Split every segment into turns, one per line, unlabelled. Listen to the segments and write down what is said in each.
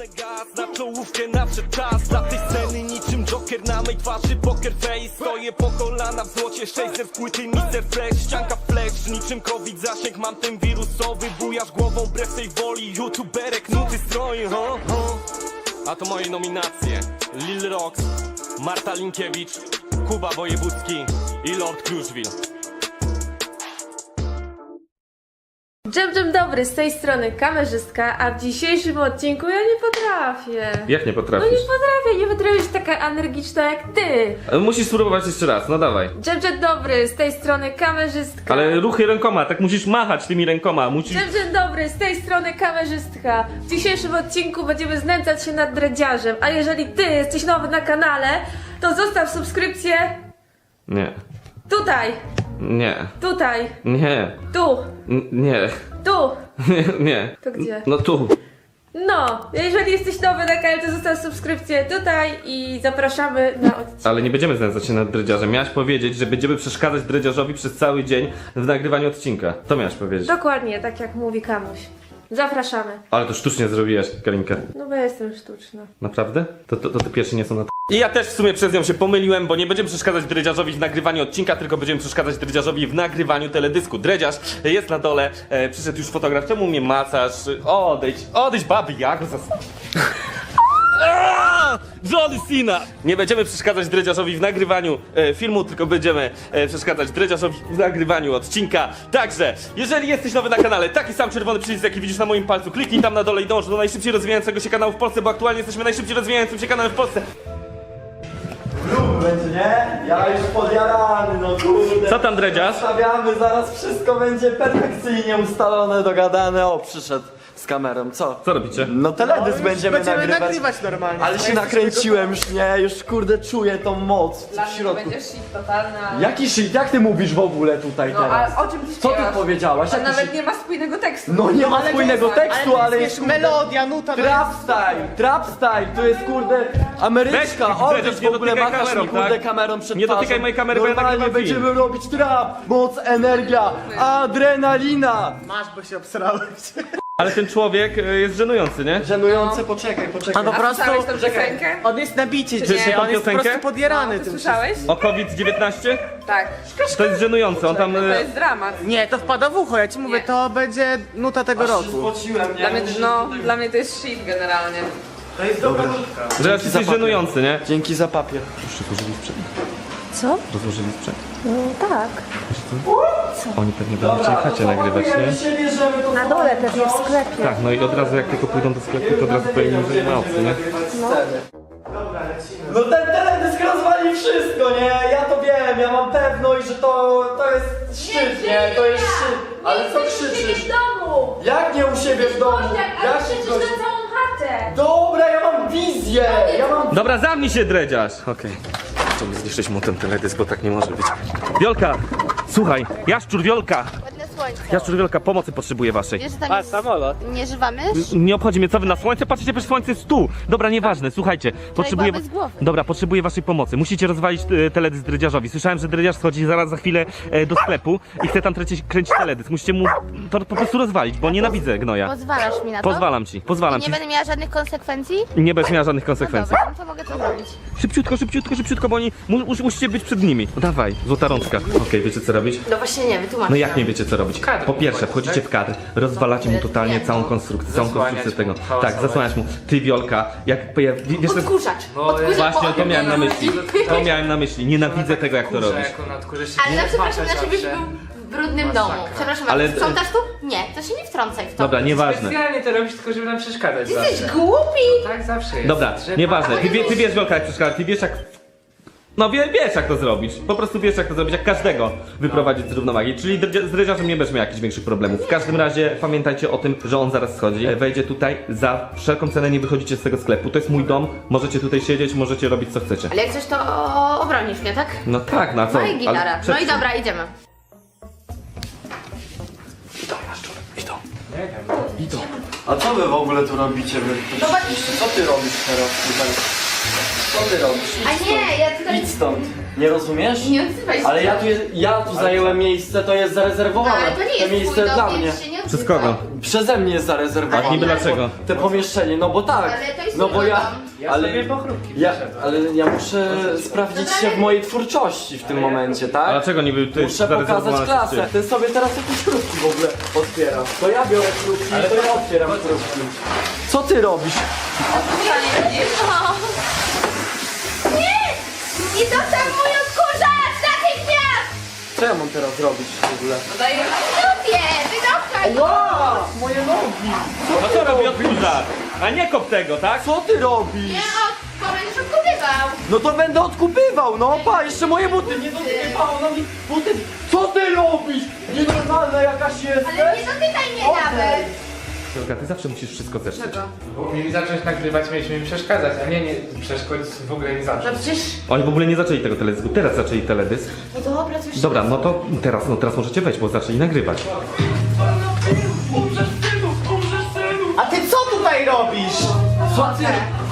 Wcisnę gaz na czołówkę, nadszedł czas dla tej sceny niczym Joker na mej twarzy poker face. Stoję po kolana w złocie, 600 płyty, Mr. Fresh, ścianka flash. Niczym COVID zasięg, mam ten wirusowy. Bujasz głową wbrew tej woli, youtuberek, nuty stroi, ho, ho. A to moje nominacje: Lil Rox, Marta Linkiewicz, Kuba Wojewódzki i Lord Kruszwil.
Dzień dobry, z tej strony kamerzystka, a w dzisiejszym odcinku ja nie potrafię.
Jak nie
No
potrafisz?
nie potrafię być taka energiczna jak ty.
Musisz spróbować jeszcze raz, no dawaj.
Dzień dobry, z tej strony kamerzystka.
Ale ruchy rękoma, tak musisz machać tymi rękoma, musisz...
Dzień dobry, z tej strony kamerzystka. W dzisiejszym odcinku będziemy znęcać się nad dredziarzem, a jeżeli ty jesteś nowy na kanale, to zostaw subskrypcję
Nie,
tutaj,
nie,
tutaj,
nie,
tu,
nie,
tu.
nie.
To gdzie?
No tu.
No, jeżeli jesteś nowy na kanale, to zostaw subskrypcję tutaj i zapraszamy na odcinek.
Ale nie będziemy znęcać się nad dredziarzem. Miałaś powiedzieć, że będziemy przeszkadzać dredziarzowi przez cały dzień w nagrywaniu odcinka. To miałaś powiedzieć.
Dokładnie, tak jak mówi Kamuś. Zapraszamy.
Ale to sztucznie zrobiłaś, Karinka.
No bo ja jestem sztuczna.
Naprawdę? To te pierwsze nie są na I ja też w sumie przez nią się pomyliłem, bo nie będziemy przeszkadzać dredziarzowi w nagrywaniu odcinka, tylko będziemy przeszkadzać dredziarzowi w nagrywaniu teledysku. Dredziarz jest na dole, przyszedł już fotograf, czemu mnie macasz? Odejdź baby, jak Johnny Cena! Nie będziemy przeszkadzać dredziarzowi w nagrywaniu filmu, tylko będziemy przeszkadzać dredziarzowi w nagrywaniu odcinka. Także, jeżeli jesteś nowy na kanale, taki sam czerwony przycisk, jaki widzisz na moim palcu, kliknij tam na dole i dąż do najszybciej rozwijającego się kanału w Polsce, bo aktualnie jesteśmy najszybciej rozwijającym się kanałem w Polsce.
Będzie, nie? Ja już podjarany, no kurde.
Co tam, dredziarz?
Stawiamy, zaraz wszystko będzie perfekcyjnie ustalone, dogadane. O, przyszedł z kamerą, co?
Co robicie?
No teledysk będziemy nagrywać.
normalnie.
Ale się nakręciłem już, nie? Już kurde czuję tą moc
Dla
w
mnie
środku.
będzie shit totalny, ale...
Jaki shit? Jak ty mówisz w ogóle tutaj
No,
teraz?
ale o czym ty
Co ty
śpiewasz?
powiedziałaś?
To
Jaki
nawet
shit?
nie ma spójnego tekstu.
No nie ma spójnego tekstu, ale jest kurde...
melodia, nuta,
Trap style, to jest kurde Ameryczka,
Weź,
odejdź
Dredziarz,
w
nie
ogóle
dotykaj
machasz mi
kamerą,
kurde
tak?
kamerą przed
Nie
twarzą.
dotykaj mojej kamery, bo ja
Normalnie
nagrywam
będziemy
film.
robić trap, moc, energia, adrenalina.
Masz, bo się obsrałeś.
Ale ten człowiek jest żenujący, nie?
Żenujące, poczekaj.
A po
A
prostu...
słyszałeś tą piosenkę?
On jest na bicie
Czy
dzisiaj,
tą
on jest po
piosenkę?
prostu podjarany
Ty
tym.
słyszałeś?
O COVID-19?
Tak.
To jest żenujące, on tam...
To jest dramat.
Nie, to wpada w ucho, ja ci mówię,
Nie.
to będzie nuta tego roku.
Spociłem,
Dla mnie to jest shit generalnie.
Że jesteś żenujący, nie?
Dzięki za papier.
Co?
Rozłożyli sprzęt.
No tak.
Oni pewnie będą chcieli chacie nagrywać, nie?
Na dole pewnie w sklepie.
Tak, no i od razu jak tylko pójdą do sklepu, to od razu powinni, że nie ma opcji, nie?
No ten teledysk rozwali wszystko, nie? Ja to wiem, ja mam pewność, że to jest szczyt, nie? To jest szczyt. Ale co krzyczysz?
w domu!
Jak nie u siebie w domu? Jak
krzyczysz
ktoś-
na całą chatę!
Dobra, ja mam wizję! Ja mam...
Dobra, zamknij się, dredziarz! Okej. Chciałbym zniszczyć mu ten teledysk, bo tak nie może być. Wiolka! Słuchaj, Jaszczur, Wiolka!
Ładne słońce.
Jaszczur, Wiolka, pomocy potrzebuję waszej.
Wiesz, że tam jest... Nie żywa mysz?
Nie obchodzi mnie, co wy na słońce? Patrzycie, przecież słońce jest tu! Dobra, nieważne, słuchajcie. Potrzebuję...
bez głowy.
Dobra, potrzebuję waszej pomocy. Musicie rozwalić teledysk dredziarzowi. Słyszałem, że dredziarz schodzi zaraz za chwilę do sklepu i chce tam kręcić teledysk. Musicie mu to po prostu rozwalić, bo nienawidzę gnoja.
Pozwalasz mi na to?
Pozwalam ci, pozwalam
Nie
ci.
będę miała żadnych konsekwencji?
Nie będziesz miała żadnych
No
konsekwencji.
dobra, no to mogę to zrobić.
Szybciutko, bo oni musicie być przed nimi. No dawaj, złota rączka. Okej, wiecie co robić?
No właśnie nie, wytłumaczę.
No jak nie wiecie co robić? Po pierwsze, wchodzicie w kadr, rozwalacie mu totalnie całą konstrukcję, tego. Tak, zasłaniasz mu. Ty, Wiolka, wiesz,
Odkurzacz.
właśnie to miałem na myśli. To miałem na myśli. Nienawidzę tego, jak to robisz.
Ale no przepraszam, żebyś był w brudnym domu. Przepraszam,
Ale-
ale sprzątasz tu? Nie, to się nie wtrącaj w to.
Dobra, nieważne.
Specjalnie to robisz, tylko żeby nam przeszkadzać
Jesteś
zawsze.
głupi!
Tak zawsze jest.
Dobra,
Że-
nieważne. Ty wiesz, Wiolka, jak przeszkadza, ty wiesz jak... No wiesz jak to zrobić. Po prostu wiesz jak to zrobić, jak każdego wyprowadzić z równowagi. Czyli z dredziarzem nie będziesz miał jakichś większych problemów. W każdym razie pamiętajcie o tym, że on zaraz schodzi. Wejdzie tutaj, za wszelką cenę nie wychodzicie z tego sklepu. To jest mój dom, możecie tutaj siedzieć, możecie robić co chcecie.
Ale jak coś to obronisz mnie, tak?
No tak, na co?
No i gitara.
Ale przed-
No i dobra, idziemy.
A co wy w ogóle tu robicie?
Zobacz.
Co ty robisz teraz tutaj? Co ty robisz?
A nie, ja tutaj...
Idź stąd. Nie rozumiesz?
Nie odzywaj się.
Ale ja tu zajęłem miejsce, to jest zarezerwowane.
No, ale to nie jest
miejsce
twój
dla
dom,
mnie.
więc się nie nie
Przez
ukrywam.
kogo?
Przeze mnie jest zarezerwowane.
A niby dlaczego?
Te pomieszczenie, no bo tak.
Ale to jest
No bo ja.
Ja
Ale
sobie pochrupki
ja,
przyszedłem.
ale ja muszę sprawdzić się w mojej twórczości w tym momencie,
A
tak?
dlaczego niby ty
Muszę pokazać klasę. Ty sobie teraz jakieś chrupki w ogóle otwierasz. To ja biorę chrupki, to ja otwieram chrupki. Co ty robisz?
Nie! Nie dostał mój odkurzacz! Natychmiast!
Co ja mam teraz zrobić w ogóle?
Lubię! Wydostał!
Wow! Moje nogi!
No co robi odkurzacz? A nie kop tego, tak?
Co ty robisz?
Nie bo będziesz odkupywał!
No to będę odkupywał, no pa, jeszcze moje buty nie dotykało, no mi buty. Co ty robisz? Nienormalna jakaś jesteś?
Ale nie dotykaj mnie nawet!
Jolka, ty zawsze musisz wszystko zeszczyć.
Bo mieli zacząć nagrywać, mieliśmy im przeszkadzać, a nie przeszkodzić, w ogóle nie zacząć.
No przecież...
Oni w ogóle nie zaczęli tego teledysku, teraz zaczęli teledysk.
No dobra, to już...
Dobra, no to teraz możecie wejść, bo zaczęli nagrywać.
A ty co tutaj robisz?
Co ty?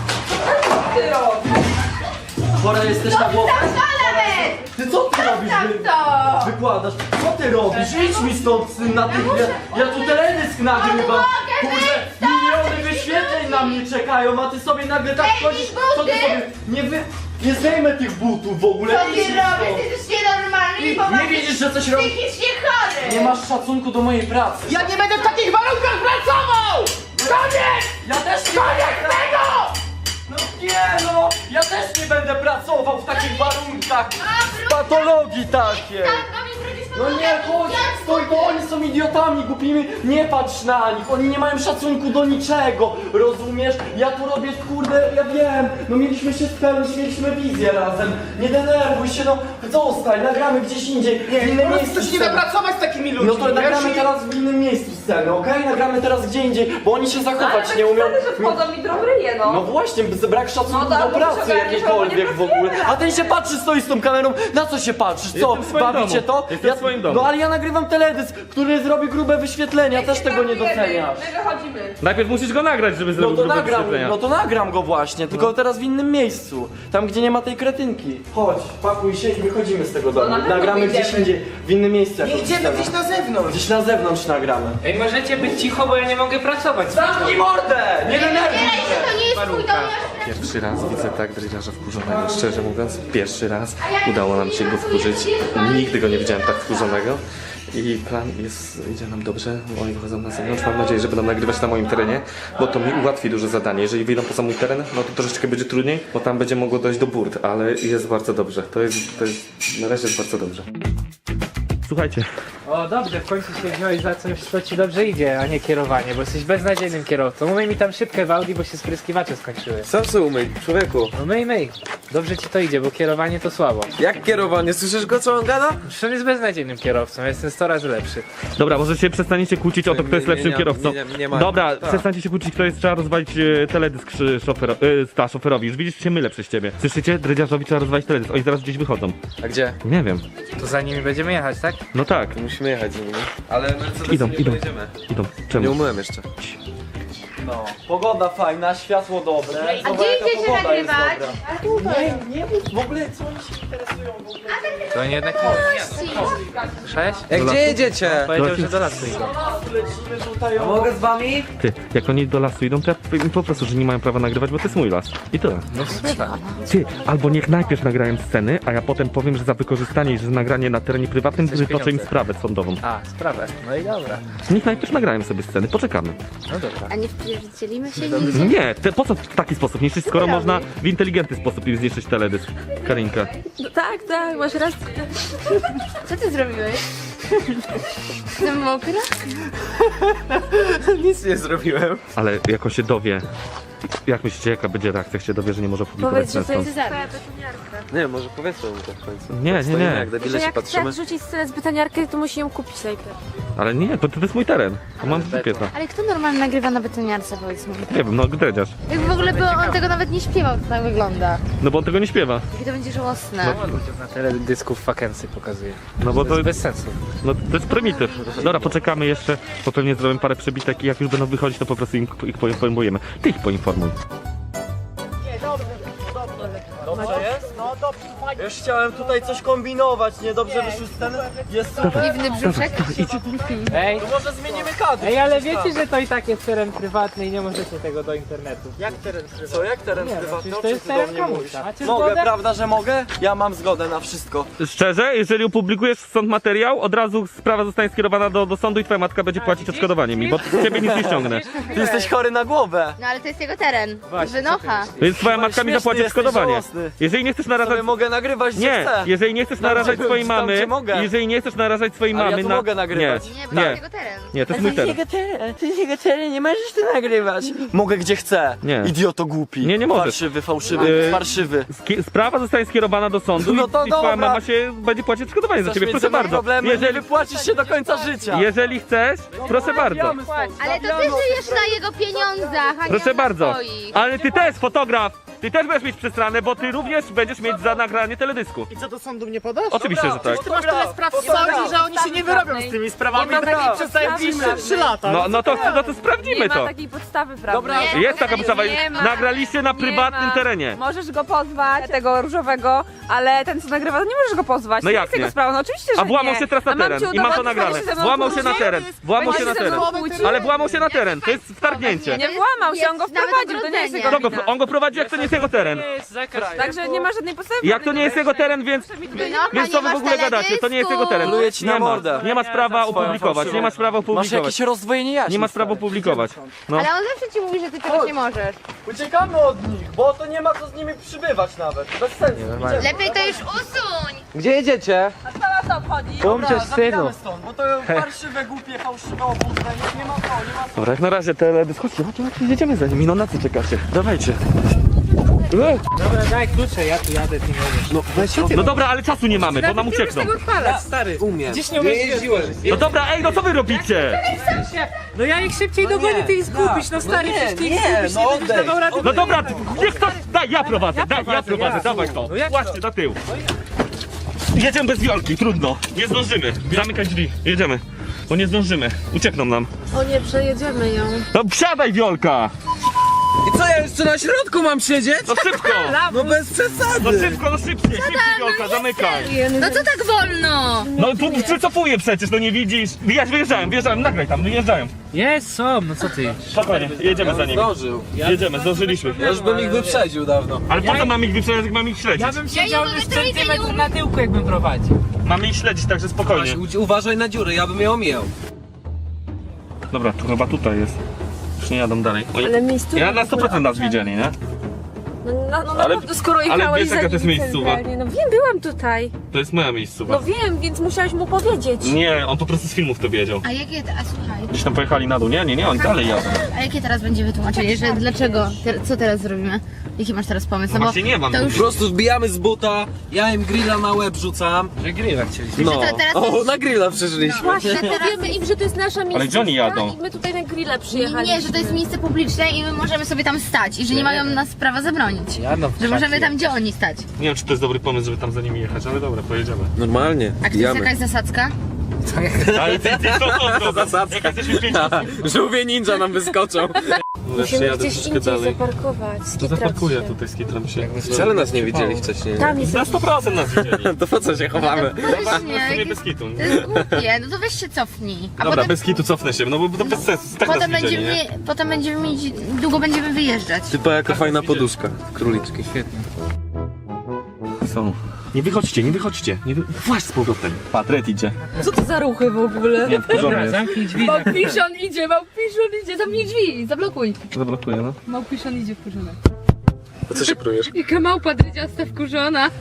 Chora jesteś na głowę?
Tam to nawet!
Ty co ty robisz?
Tam to!
Wykładasz. Co ty robisz? Idź mi stąd syn natychmiast. Ja tu teledysk nagrywam.
mogę
Kurde, miliony wyświetleń na mnie czekają, a ty sobie nagle tak
Zdejmij
chodzisz. Co ty
buty!
sobie... Nie zdejmę tych butów w ogóle.
Co ty
Idź mi
robisz?
stąd.
Ty jesteś nienormalny i
Nie
poważnie
widzisz, że coś robisz?
psychicznie chory!
Nie masz szacunku do mojej pracy.
Ja nie będę w takich warunkach pracował! Koniec!
Ja też nie będę tego! No nie no! Ja też nie będę pracował w takich warunkach! W patologii takiej!
Tak, do mnie wrócisz po
No nie, chodź! Stój, to oni są idiotami głupimi! Nie patrz na nich! Oni nie mają szacunku do niczego! Rozumiesz? Ja tu robię, kurde, ja wiem! No mieliśmy się spełnić, mieliśmy wizję razem! Nie denerwuj się, no! Zostań, nagramy gdzieś indziej! W innym
Po prostu
miejscu
się nie
sceny.
da pracować z takimi ludźmi.
No to nagramy
wiesz?
teraz w innym miejscu scenę, okej? Nagramy teraz gdzie indziej, bo oni się zachować nie umieją.
że wchodzą mi drą ryje,
No właśnie, brak szacunku
No tak,
do
bo
pracy
wyciąganie
jakiejkolwiek
się
w ogóle.
pracujemy
A ten się patrzy, stoi z tą kamerą. Na co się patrzysz? Co?
Jestem w swoim
Bawicie
domu.
to?
Jestem w swoim domu.
No ale ja nagrywam teledysk, który zrobi grube wyświetlenia, też tego nie doceniasz.
My wychodzimy.
Najpierw musisz go nagrać, żeby zrobić grube wyświetlenia.
No to nagram go właśnie, tylko teraz w innym miejscu. Tam gdzie nie ma tej kretynki. Chodź, pakuj się i wychodzimy z tego domu.
na pewno
Nagramy gdzieś
wyjdziemy.
indziej, w innym miejscu.
Nie
jakąś
idziemy
scenę.
gdzieś na zewnątrz.
Gdzieś na zewnątrz nagramy.
Ej, możecie być cicho, bo ja nie mogę pracować.
Zamknij mordę! Nie denerwuj
Zbieraj
się!
się, to nie jest twój dom, ja
Pierwszy raz widzę tak drydziarza wkurzonego, szczerze mówiąc, pierwszy raz udało nam się go wkurzyć. Nigdy go nie widziałem tak wkurzonego. I plan idzie nam dobrze, oni wychodzą na zewnątrz, mam nadzieję, że będą nagrywać na moim terenie, bo to mi ułatwi duże zadanie. Jeżeli wyjdą poza mój teren, no to troszeczkę będzie trudniej, bo tam będzie mogło dojść do burt, ale jest bardzo dobrze, to jest na razie jest bardzo dobrze. Słuchajcie,
O, dobrze, w końcu się wziąłeś za coś, co ci dobrze idzie, a nie kierowanie, bo jesteś beznadziejnym kierowcą. Umyj mi tam szybkę w Audi, bo się spryskiwacze skończyły.
Sam se umyj, człowieku.
No myj. Dobrze ci to idzie, bo kierowanie to słabo.
Jak kierowanie? Słyszysz go, co on gada?
Przecież on jest beznadziejnym kierowcą, ja jestem 100 razy lepszy.
dobra, może się przestaniecie kłócić o to, kto jest lepszym kierowcą.
nie ma.
Dobra,
Tak.
przestańcie się kłócić, kto jest, trzeba rozwalić teledysk szoferowi. Już widzisz, się mylę przez ciebie. Słyszycie? Dredziarzowi trzeba rozwalić teledysk, oni zaraz gdzieś wychodzą.
A gdzie?
Nie wiem,
To za nimi będziemy jechać, tak?
no tak.
Musimy jechać z nimi. Ale Mercedesem
Idą,
nie
idą.
pojedziemy.
Idą,
Nie
czemu?
umyłem jeszcze.
No, pogoda fajna, światło dobre.
A
Zobacz,
gdzie
jaka
idziecie
pogoda jest
nagrywać?
dobra.
A tutaj.
Nie mów w ogóle, co oni się interesują w ogóle.
To oni jednak Sześć?
Jak gdzie jedziecie?
Powiedział, że do lasu idą.
Lecimy tutaj.
A mogę z wami?
Ty, jak oni do lasu idą, to ja powiem im po prostu, że nie mają prawa nagrywać, bo to jest mój las. I tyle.
No w sumie tak.
Ty, albo niech najpierw nagrają sceny, a ja potem powiem, że za wykorzystanie i że nagranie na terenie prywatnym
Chcesz
wytoczę im
pieniądze.
sprawę sądową.
A, sprawę. No i dobra.
Niech najpierw nagrają sobie sceny, poczekamy.
No dobra.
A nie wpierdzielimy się
Nie, po co w taki sposób niszczyć, skoro można w inteligentny sposób im zniszczyć teledysk? Karinka.
No tak, masz rację.
Co ty zrobiłeś? Jestem mokra?
Nic nie zrobiłem.
Ale jak on się dowie, jak myślicie, jaka będzie reakcja, jak się dowie, że nie może opublikować
Powiedz, że to
scen
jest
stąd?
Nie, może powiedzmy mu to w końcu.
Nie,
Stoimy
nie.
jak debile
Że
się
jak
patrzymy.
chcesz rzucić scenę z betoniarki, to musi ją kupić najpierw.
Ale nie, to jest mój teren. To mam w dupie to.
Ale kto normalnie nagrywa na betoniarce, powiedz mi?
Nie wiem, no dredziarz.
Jakby w ogóle on tego nawet nie śpiewał, to tak wygląda.
No bo on tego nie śpiewa.
Jakie to będzie żałosne.
Na teledysku w Fakensy pokazuje.
No bo
To
to,
jest bez sensu.
no, to jest prymityw. Dobra, poczekamy jeszcze, bo pewnie zrobimy parę przebitek i jak już będą wychodzić, to po prostu ich poinformujemy. Ty ich poinformuj.
Nie, dobrze, dobrze.
Dobrze jest? No dobrze, fajnie. Już chciałem tutaj coś kombinować, niedobrze wyszły sceny. Jest super.
Dziwny brzuszek.
Ej,
To może zmienimy kadr.
ej, ale wiecie, że to i tak jest teren prywatny i nie możecie tego do internetu. Jak teren prywatny?
Co, jak teren
Nie, no,
prywatny?
przecież
O
to
czym
jest
ty do
teren
mnie mówisz?
komuś. Macie
Mogę,
zgodę?
prawda, że mogę? Ja mam zgodę na wszystko.
Szczerze, jeżeli opublikujesz stąd materiał, od razu sprawa zostanie skierowana do sądu i twoja matka będzie płacić odszkodowanie mi, bo z ciebie nic nie ściągnę.
Ty jesteś chory na głowę.
No ale to jest jego teren.
Właśnie,
Wynocha.
Więc twoja matka mi
śmieszny
zapłaci
jesteś,
odszkodowanie.
żałosny.
Jeżeli nie chcesz narażać...
Sobie mogę nagrywać, gdzie
Nie,
chcę.
jeżeli nie chcesz narażać
gdzie-
swojej
tam,
mamy,
gdzie mogę.
jeżeli nie chcesz narażać swojej
Ale ja
mamy
tu
na...
mogę nagrywać.
Nie, bo to
Nie.
jest jego teren.
Nie, to jest mój teren.
To jest jego teren, nie możesz tu nagrywać. Mogę gdzie chcę.
Nie.
Idioto głupi.
Nie, nie możesz.
Farszywy, fałszywy, farszywy.
Sprawa zostanie skierowana do sądu
No to
i twoja
dobra.
mama się będzie płacić odszkodowanie za
Chcesz
ciebie,
mieć
proszę
ze mną
bardzo.
problemy, nie wypłacisz się do końca życia.
Jeżeli chcesz, proszę bardzo.
Ale to ty żyjesz na jego pieniądzach, a nie
Proszę
na
bardzo.
swoich.
Ale ty też, fotograf, ty też będziesz mieć przestranę, bo ty również będziesz mieć za nagranie teledysku.
I co, do sądu mnie podasz?
Oczywiście, że tak.
Ty masz tyle spraw
Sądzi, że oni się nie wyrobią z tymi sprawami, tak przez najbliższe 3 lata.
No to sprawdzimy
Nie ma
to.
takiej podstawy prawnej.
Dobra,
Jest taka podstawa,
Nie ma.
nagraliście na
Nie
prywatnym
ma.
terenie.
Możesz go pozwać, tego różowego, ale ten co nagrywa, to nie możesz go pozwać.
No
to
jak
nie jest jego
nie?
sprawa, no oczywiście, że
A włamał
nie.
się teraz na
A mam
teren
ci
i ma to
udowodnić,
nagrane.
że się ze mną
Włamał się na
kłóci?
teren, włamał się
Będzie
na
się ze
teren.
mną kłócił?
Ale włamał się na teren, to jest wtargnięcie.
Nie włamał się, on go
Jest nawet
wprowadził, to nie jest jego
ogrodzenie.
wina.
On go prowadzi, jak to nie jest jego teren.
Nie jest zakaz.
Także nie ma żadnej podstawy.
Jak to nie jest jego teren, więc...
Wynocha,
Więc co
nie
wy w
masz
ogóle gadacie? To nie jest jego teren.
Pluję ci na
Nie ma,
mordę.
nie ma sprawa opublikować, nie ma sprawy
Masz
opublikować.
jakieś rozdwojenie jaźni.
Nie ma sprawy opublikować. No.
Ale on zawsze ci mówi, że ty czegoś nie możesz.
Uciekamy od nich, bo to nie ma co z nimi przybywać nawet. Bez sensu. Idziemy.
Lepiej to już usuń.
Gdzie jedziecie?
A co obchodzi?
Pomrzesz synu.
Zabijamy stąd, bo to farszywe, głupie, fałszywe obózne. Nie ma co, nie ma co.
Dobra, jak na razie teledysk. Chodźcie, jedziemy za nimi, no na co czekacie? Dawajcie.
Dobra, daj klucze, ja tu jadę, ty nie wiesz.
No dobra, ale czasu nie mamy, bo nam uciekną.
Stary,
Umiem.
gdzieś nie jeździłem.
No dobra, ej, no co wy robicie?
No ja ich szybciej dogonię, ty ich zgubisz, no stary, przecież ty ich zgubisz, nie będziesz dawał rady.
No dobra, niech ktoś... Daj, ja prowadzę,
prowadzę, ja.
dawaj to.
No jak
Właśnie, na tył. Jedziemy bez wiolki, trudno. Nie zdążymy. Zamykaj drzwi, jedziemy. Bo nie zdążymy, uciekną nam.
O nie, przejedziemy ją.
No wsiadaj wiolka!
I co, ja jeszcze na środku mam siedzieć?
No szybko!
No bez przesady.
No szybko, no szybciej, wiolka, zamykaj.
No co tak wolno?
No tu przycofuję przecież, no nie widzisz. Wyjeżdżałem, nagraj tam, wyjeżdżają.
Jest, są, no co ty?
Spokojnie, jedziemy za nimi.
Zdążył.
Jedziemy, zdążyliśmy.
Ja już bym ich wyprzedził dawno.
Ale po co mamy ich wyprzedzać, jak mamy ich śledzić?
Ja bym siedział
nie
już
mogę trójkę,
centymetr
nie
na tyłku, jakbym prowadził.
Mamy ich śledzić, także spokojnie.
Uważaj na dziury, ja bym je omijał.
Dobra, to chyba tutaj jest. Już nie jadą dalej. Oj.
Ale miejscówka.
Ja na 100% nas widzieli, nie?
No
Ale-
naprawdę, skoro
ale
jechałeś
wiesz,
za
jaka to jest
nim
miejscowa?
centralnie. No wiem, byłam tutaj.
To jest moja miejscowa.
No wiem, więc musiałeś mu powiedzieć.
Nie, on po prostu z filmów to wiedział.
A jakie, a słuchaj,
Gdzieś tam pojechali na dół. Nie, oni dalej jadą.
a jakie teraz będzie wytłumaczenie, że dlaczego, co teraz zrobimy? Jaki masz teraz pomysł?
No
bo
właśnie nie mam.
to już,
Po prostu wbijamy z buta, ja im grilla na łeb rzucam.
Że grilla chcieliśmy.
No.
to teraz
O, na grilla przeżyliśmy.
Właśnie,
że teraz-
powiemy im, że to jest nasza miejscówka.
gdzie oni jadą?
I my tutaj na grilla przyjechaliśmy.
nie, że to jest miejsce publiczne i my możemy sobie tam stać i że nie mają nas prawa zabronić.
Jadą w
Że możemy
krzaki.
tam, gdzie oni stać.
Nie wiem, czy to jest dobry pomysł, żeby tam za nimi jechać, ale dobra, pojedziemy.
Normalnie,
A czy to jest jakaś zasadzka?
Ale ty co
Zasadzka.
Jak jesteśmy 5
Żółwie ninja nam wyskoczą.
Musimy gdzieś indziej zaparkować.
To
skitrać
zaparkuję
się.
tutaj, skitram się.
Wcale nas nie widzieli wcześniej.
Tam jest
Na 100% nas widzieli.
To po co się chowamy?
W sumie
Właśnie,
bez kitu.
to jest głupie, no to weź się cofnij. A
Dobra,
potem,
bez kitu cofnę się, no bo to bez sensu. Tak
potem,
nas widzieli,
będziemy,
nie?
potem będziemy mieć, długo będziemy wyjeżdżać.
Typa jaka fajna poduszka. Króliczki.
Świetnie.
Są. Nie wychodźcie. Właśnie z powrotem. Patret idzie.
Co to za ruchy w ogóle?
Nie, wkurzony
Dobra,
jest.
zamknij drzwi.
Małpiszon idzie, zamknij drzwi, zablokuj.
Zablokuję, no.
Małpiszon idzie wkurzony.
A co się prujesz?
Jaka małpa drydziasta wkurzona.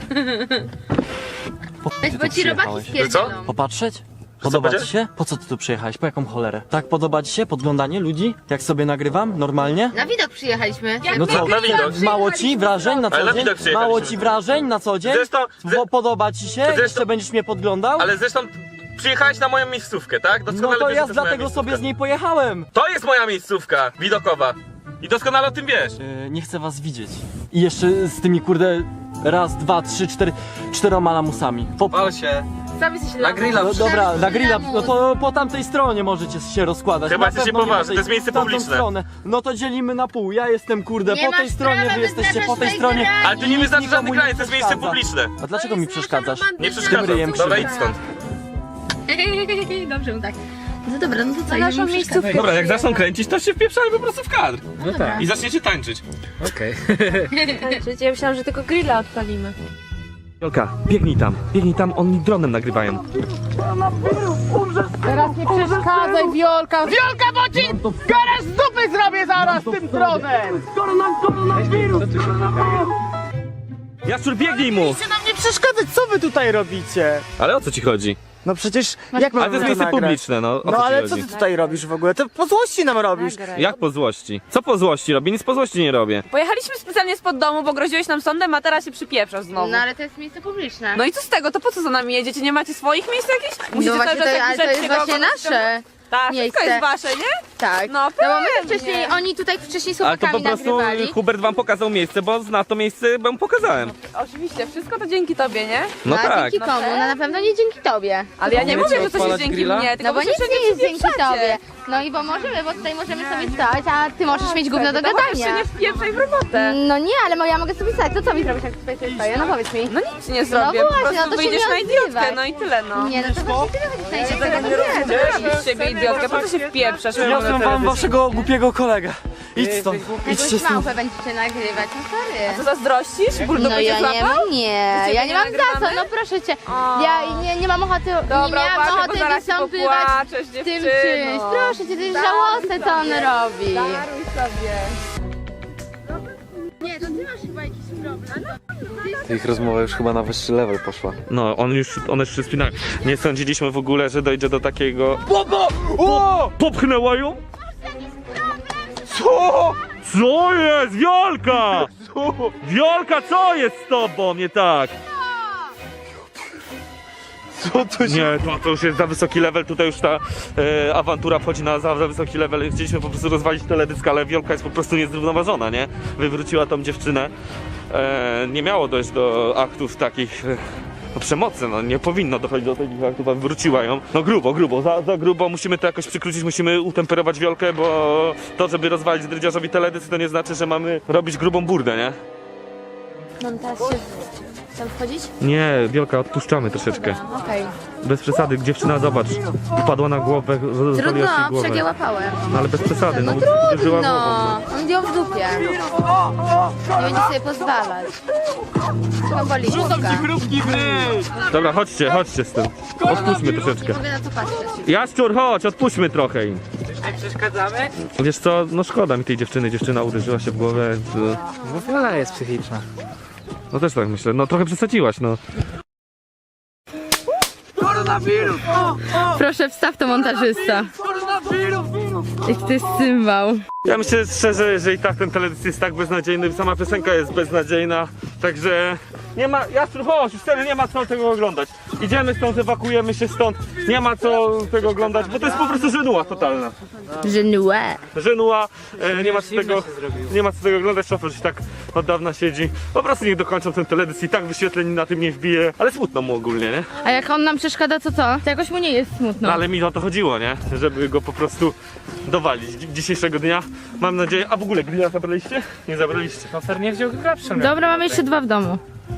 Weź, bo ci robaki spierdzielą.
Popatrzeć? Podoba ci się? Po co ty tu przyjechałeś? Po jaką cholerę? Tak podoba ci się podglądanie ludzi? Jak sobie nagrywam? Normalnie?
Na widok przyjechaliśmy.
No co?
Na widok.
Mało ci wrażeń na
Ale
co
na
dzień?
widok przyjechaliśmy.
Mało ci wrażeń na co dzień?
Zresztą-
Bo podoba ci się?
Zresztą-
Jeszcze będziesz mnie podglądał?
Ale zresztą przyjechałeś na moją miejscówkę, tak?
No
Doskonale
to
wiesz,
ja
że to jest moja
dlatego sobie z
miejscówka.
niej pojechałem.
To jest moja miejscówka widokowa. I doskonale o tym wiesz.
Nie chcę was widzieć. I jeszcze z tymi kurde raz, dwa, trzy, cztery, 4 lamusami.
Pal się.
Sam jesteś
Na grilla.
No dobra, na grilla, no to po tamtej stronie możecie się rozkładać.
Chyba
Na
jesteście
pewno nie
poważni,
po tej-
to jest miejsce
w tamtą
publiczne.
Stronę. No to dzielimy na pół, ja jestem kurde
Nie
po tej
masz
stronie,
prawa
wy jesteście po
wyznaczać
tej
tej
stronie.
granicy.
Ale ty nie wyznaczasz
Nikomu
żadnych
nie
granic, to jest miejsce
przeszkadza.
publiczne.
A dlaczego mi przeszkadzasz?
Nie
Tym
przeszkadzam.
ryjem
Dobra, idź
krzywdę.
stąd.
Dobrze, no tak. No dobra, no to co,
Na naszą
idziemy
miejscówkę.
Dobra, jak zaczną kręcić, to się wpieprzamy po prostu w kadr.
No tak,
I zaczniecie tańczyć.
okej.
Tańczyć. Ja myślałam, że tylko grilla odpalimy.
Jolka, biegnij tam, oni dronem nagrywają.
Teraz nie przeszkadzaj, Wiolka! Wiolka, bo ci garaż z dupy zrobię zaraz tym dronem!
Jaszczur, biegnij mu!
Chcecie nam nie przeszkadzać, co wy tutaj robicie?
Ale o co ci chodzi?
No przecież, jak
Ale
mamy
to jest
to
miejsce
nagrać?
publiczne, no o
No
co ci
ale co
chodzi?
ty tutaj robisz w ogóle? To po złości nam robisz!
Jak po złości? Co po złości robię? Nic po złości nie robię.
Pojechaliśmy specjalnie spod domu, bo groziłeś nam sądem, a teraz się przypieprzasz znowu.
No ale to jest miejsce publiczne.
No i co z tego? To po co za nami jedziecie? Nie macie swoich miejsc jakichś? Musicie
No właśnie,
cały czas
to, ale to jest właśnie nasze.
Tak,
miejsce.
wszystko jest wasze, nie?
Tak.
No
No bo my
pewnie.
wcześniej, oni tutaj wcześniej z
Ale to po
chłopakami
prostu
nagrywali.
Hubert wam pokazał miejsce, bo zna to miejsce, bo mu pokazałem.
Oczywiście, wszystko to dzięki tobie, nie?
No
a
tak.
dzięki komu? No na pewno nie dzięki tobie.
Ale ja nie
Możecie
mówię, że coś jest
odpalać
dzięki
grilla?
mnie, tylko
No bo
wy
nic
się
nie jest dzięki
wpieprzacie.
tobie. No i bo możemy, bo tutaj możemy sobie stać, a ty możesz mieć gówno do
To chociaż się
gadania.
nie wpieprzaj w robotę.
No nie, ale ja mogę sobie stać. To co mi zrobisz, jak tutaj sobie stoję? No powiedz mi.
No nic nie zrobię,
właśnie,
po prostu
no to się
wyjdziesz
nie
na idiotkę,
odzywaj.
no i tyle, no.
Nie, no to właśnie ty wychodzisz na idiotę.
Nie robisz z ciebie idiotkę, po co się wpieprzasz?
Przyniosłem wam waszego głupiego kolegę. Idź stąd, idźcie
Jakąś
stąd.
małpę będziecie nagrywać, no
Co
sorry.
zazdrościsz? Bulldog
No
będzie
ja nie
złapał?
mam, nie.
Ciebie
Ja
nie
nie mam za co,
nagrywamy?
no proszę cię. Ja nie mam ochoty, nie
Dobra,
miałam
uważaj, bo
ochoty
zaraz się
wystąpywać
popłaczesz,
tym
dziewczyno.
czymś. Proszę cię, to jest żałosne, co on robi.
Daruj sobie.
Nie, to ty masz chyba jakiś problem.
Ich rozmowa już chyba na wyższy level poszła.
No, one już się spinają. Nie sądziliśmy w ogóle, że dojdzie do takiego... Popchnęła ją? Co? Co jest? Wiolka! Wiolka, co jest z tobą? Nie tak.
Co to się...
Nie, to już jest za wysoki level, tutaj już ta awantura wchodzi na za wysoki level. Chcieliśmy po prostu rozwalić teledysk, ale Wiolka jest po prostu niezrównoważona, nie? Wywróciła tą dziewczynę. Nie miało dojść do aktów takich przemocy, no nie powinno dochodzić do takich aktów, a wywróciła ją. No grubo, za grubo, musimy to jakoś przykrócić, musimy utemperować Wiolkę, bo to, żeby rozwalić drydziarzowi teledysk, to nie znaczy, że mamy robić grubą burdę, nie?
Mam teraz się tam wchodzić?
Nie, Wiolka, odpuszczamy troszeczkę.
Okej.
Bez przesady, dziewczyna, zobacz, upadła na głowę, rozwaliła się
Trudno,
głowę.
przegiałapałem.
No ale bez przesady, no,
No
uderzyła
trudno,
głową.
on ją w dupie. Nie będzie sobie pozwalać. Chyba boli główka.
Dobra, chodźcie z tym. Odpuśćmy troszeczkę.
Nie mogę na to patrzeć.
Jaszczur, chodź, odpuśćmy trochę im.
Nie przeszkadzamy?
Wiesz co, no szkoda mi tej dziewczyny, dziewczyna uderzyła się w głowę.
Bo Viola jest psychiczna.
No też tak myślę, no trochę przesadziłaś, no.
Proszę, wstaw to montażysta. Jak to jest cymbał.
Ja myślę szczerze, że i tak ten teledysk jest tak beznadziejny, sama piosenka jest beznadziejna, także nie ma, Jaszczur, chodź, już wtedy nie ma co tego oglądać. Idziemy stąd, ewakuujemy się stąd, nie ma co tego oglądać, bo to jest po prostu żenuła totalna.
Żenue.
Żenuła, nie ma co
Zimno
tego,
się zrobiło.
nie ma co tego oglądać, szofer już tak od dawna siedzi. Po prostu niech dokończą ten teledysk i tak wyświetleń na tym nie wbije, ale smutno mu ogólnie, nie?
A jak on nam przeszkadza, to co? To jakoś mu nie jest smutno.
No ale mi o to chodziło, nie? Żeby go po prostu dowalić dzisiejszego dnia. Mam nadzieję, a w ogóle grilla zabraliście? Nie zabraliście.
Kofer nie wziął grilla przy mnie.
Dobra, mamy jeszcze 2 w domu.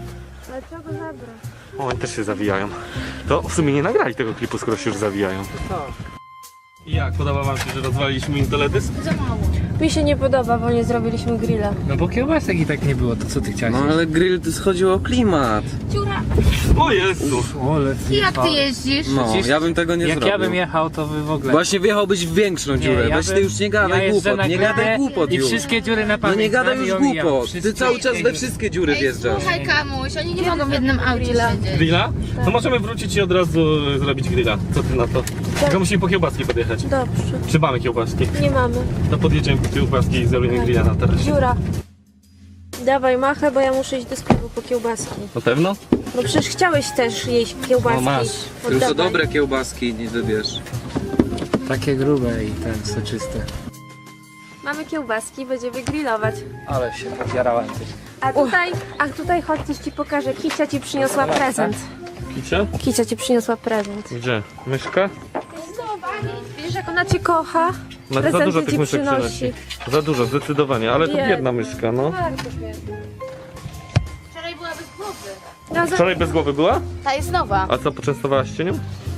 O, oni też się zawijają. To w sumie nie nagrali tego klipu, skoro się już zawijają. I jak? Podoba wam się, że rozwaliliśmy im teledysk?
Mi się nie podoba, bo nie zrobiliśmy grilla.
No bo kiełbasek i tak nie było, to co ty chciałeś?
No ale grill to chodziło o klimat.
O Jezu!
O, ale
Jak ty jeździsz?
No,
Przecież
ja bym tego nie
jak
zrobił.
ja bym jechał, to wy w ogóle...
Właśnie wjechałbyś w większą dziurę.
ja
Weź
bym-
ty już nie gadaj
jeżdżę
głupot,
na
nie
grillę
gadaj głupot
I
już.
wszystkie dziury na
No
pamięć
nie gadaj
znam
już
i omijam.
głupot. Ty
Wszystkie
cały czas we
dziury.
wszystkie dziury wjeżdżasz.
Słuchaj, Kamuś, oni nie mogą w jednym aucie siedzieć.
Grilla? To możemy wrócić i od razu zrobić grilla. Co ty na to? Tylko musimy po kiełbaski podjechać.
Dobrze,
Czy mamy kiełbaski?
nie mamy.
To podjedziemy po kiełbaski i zrobimy grilla na tarasie.
Dziura. Dawaj machę, bo ja muszę iść do sklepu po kiełbaski.
Na pewno?
No przecież chciałeś też jeść kiełbaski.
O, masz.
Tylko
Oddawaj.
dobre kiełbaski nie wybierz.
Takie grube i ten soczyste.
Mamy kiełbaski, będziemy grillować.
Ale się odjarałem.
A tutaj chodź, coś ci pokażę. Kicia ci przyniosła prezent.
Kicia?
Kicia ci przyniosła prezent.
Gdzie? Myszka?
Widzisz, jak ona cię kocha?
No, za
Prezenty
dużo
ci
tych myszek
przynosi.
przynosi. Za dużo, zdecydowanie, ale to
Biedna.
biedna myszka, no.
Bardzo biedna.
Wczoraj była bez głowy.
No, za...
Wczoraj bez głowy była?
Ta jest nowa.
A co, poczęstowałaś się nią?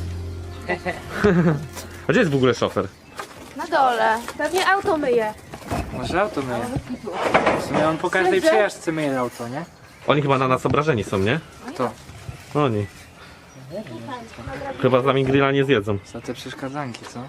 A gdzie jest w ogóle szofer?
Na dole.
Pewnie auto myje.
Może auto myje. W sumie on po każdej przejażdżce myje auto, nie?
Oni chyba na nas obrażeni są, nie?
Kto?
Oni. Chyba z nami grilla nie zjedzą.
Za te przeszkadzanki, co?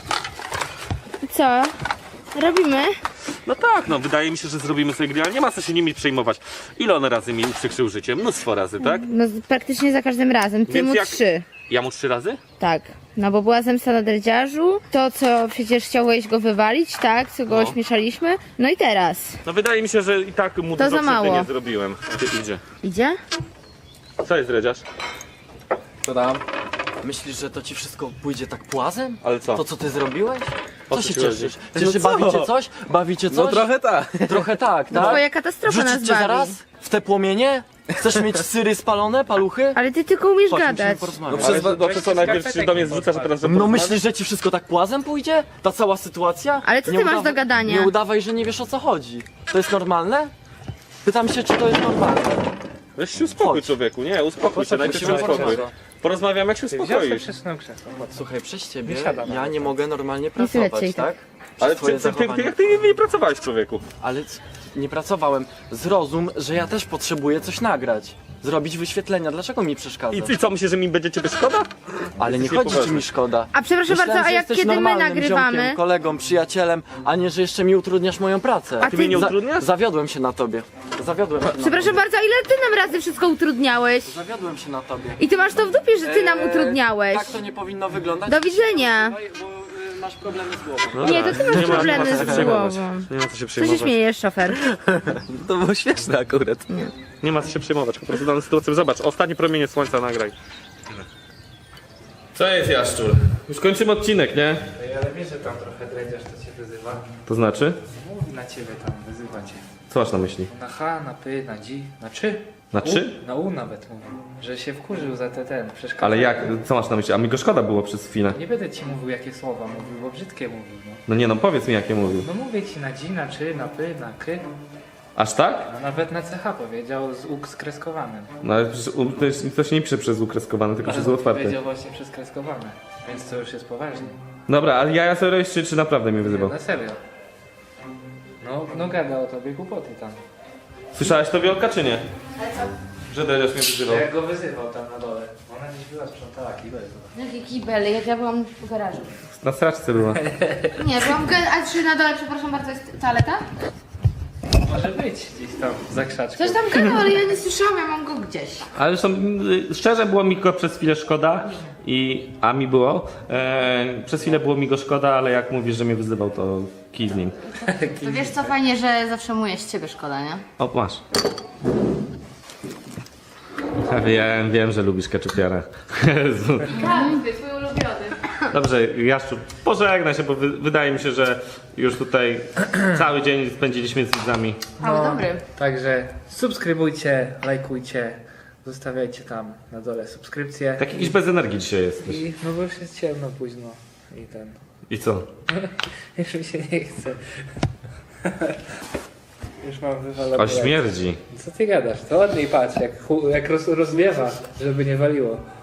Co? Robimy?
No tak, no wydaje mi się, że zrobimy sobie grilla, nie ma co się nimi przejmować. Ile on razy mi uprzykrzył życie? Mnóstwo razy, tak?
No praktycznie za każdym razem. Ty
Więc
mu
jak-
3.
Ja mu 3 razy?
Tak. No bo była zemsta na dredziarzu, to co przecież chciałeś go wywalić, tak? Co go
No.
ośmieszaliśmy. No i teraz.
No wydaje mi się, że i tak mu
To
dużo
za mało.
krzywdy nie zrobiłem. Gdzie idzie?
Idzie?
Co jest dredziarz?
Co tam? Myślisz, że to ci wszystko pójdzie tak płazem?
Ale co?
To co ty zrobiłeś?
O
Co
co
się
ci chodzi?
cieszysz?
No co?
Bawicie coś? Bawicie coś?
No trochę tak.
Trochę tak, tak?
Twoja katastrofa nas
Wrzucić cię
bawi.
zaraz? W te płomienie? Chcesz mieć syry spalone, paluchy?
Ale ty tylko umiesz
Chodź, musimy
gadać.
porozmawiać.
No przez co najpierw się do mnie zrzucasz, a teraz że
No myślisz, że ci wszystko tak płazem pójdzie? Ta cała sytuacja?
Ale co ty masz do gadania?
Nie udawaj, że nie wiesz o co chodzi. To jest normalne? Pytam się, czy to jest normalne.
Weź się uspokój,
Chodź.
człowieku, nie, uspokój się, najpierw się
musimy
uspokój.
porozmawiać.
Porozmawiamy, jak się
Wziął sobie
uspokoisz.
przesunął krzesło.
Słuchaj, przez ciebie
Wysiada
ja
nawet.
nie mogę normalnie
słychać
pracować,
cię i tak.
tak?
Ale
Twoje
ty,
zachowanie.
jak ty nie pracowałeś, człowieku?
Ale nie pracowałem. Zrozum, że ja też potrzebuję coś nagrać. Zrobić wyświetlenia. Dlaczego mi przeszkadza?
I co, myślisz, że mi będzie ciebie szkoda?
Ale nie
Jesteś
chodzi ci
niepoważny.
mi szkoda.
A przepraszam
Myślałem,
bardzo, a
że
jak
jesteś
kiedy my
normalnym
nagrywamy?
ziomkiem, kolegą, przyjacielem, a nie, że jeszcze mi utrudniasz moją pracę.
A
Ty mnie nie
Za-
utrudniasz?
Zawiodłem się na tobie. Zawiodłem się na
Przepraszam
tobie.
bardzo, a ile ty nam razy wszystko utrudniałeś?
Zawiodłem się na tobie.
I ty masz to w dupie, że ty nam utrudniałeś.
Tak to nie powinno wyglądać.
Do widzenia.
Bo masz problemy z głową.
No
Nie, to ty masz
nie ma
problemy
co się
z
przejmować.
głową.
Nie ma co się
Co się
przejmować.
śmiejesz, szofer?
To było śmieszne akurat.
Nie ma co się przejmować, po prostu daną sytuację. Zobacz, ostatnie promienie słońca nagraj. Co jest, Jaszczur? Już kończymy odcinek, nie?
Ale wiesz, że tam trochę dredziarz to cię wyzywa.
To znaczy?
Mówi na ciebie tam, wyzywa cię.
Co masz na myśli?
Na H, na P, na G, na 3.
Na 3?
Na U nawet mówił. Że się wkurzył za ten przeszkadzanie.
Ale jak, co masz na myśli? A mi go szkoda było przez chwilę.
Nie będę ci mówił jakie słowa mówił, bo brzydkie mówił. No,
No nie no, powiedz mi jakie mówił.
no mówię ci na G, na 3, na P, na K.
Aż tak?
A nawet na CH powiedział z U skreskowanym.
No ale przecież to się nie pisze przez ukreskowane, tylko przez U otwarte.
Powiedział właśnie przez kreskowane. Więc to już jest poważnie.
Dobra, ale ja sobie robisz, czy naprawdę mnie wyzywał?
Na serio. No gada o tobie głupoty tam.
Słyszałaś to, Wiolka, czy nie? Że Dredziarz mnie wyzywał.
Jak go wyzywał tam na dole. Ona gdzieś była, sprzątała kibel.
Jakie kibel? Ja byłam w garażu.
Na straczce była.
Nie, byłam a czy na dole, przepraszam bardzo, jest toaleta?
Może być gdzieś tam za krzaczką.
Coś tam gadał, ale ja nie słyszałam, ja mam go gdzieś.
Ale zresztą szczerze było mi go przez chwilę szkoda a mi było. Przez chwilę było mi go szkoda, ale jak mówisz, że mnie wyzywał, to kij z nim.
To wiesz co, fajnie, że zawsze mu jest ciebie szkoda, nie?
O, masz. Ja wiem, że lubisz keczupiara. Jezu.
Tak, twój ulubiony.
Dobrze, Jaszczur, pożegnaj się, bo wydaje mi się, że już tutaj cały dzień spędziliśmy z widzami.
Ale dobry.
Także subskrybujcie, lajkujcie, zostawiajcie tam na dole subskrypcje.
Tak jakiś bez energii dzisiaj jesteś.
I no bo już jest ciemno późno i ten.
I co?
Już mi się nie chce. Już mam wywalone.
O, śmierdzi.
Co ty gadasz? To ładniej patrz, jak rozwiewa, żeby nie waliło.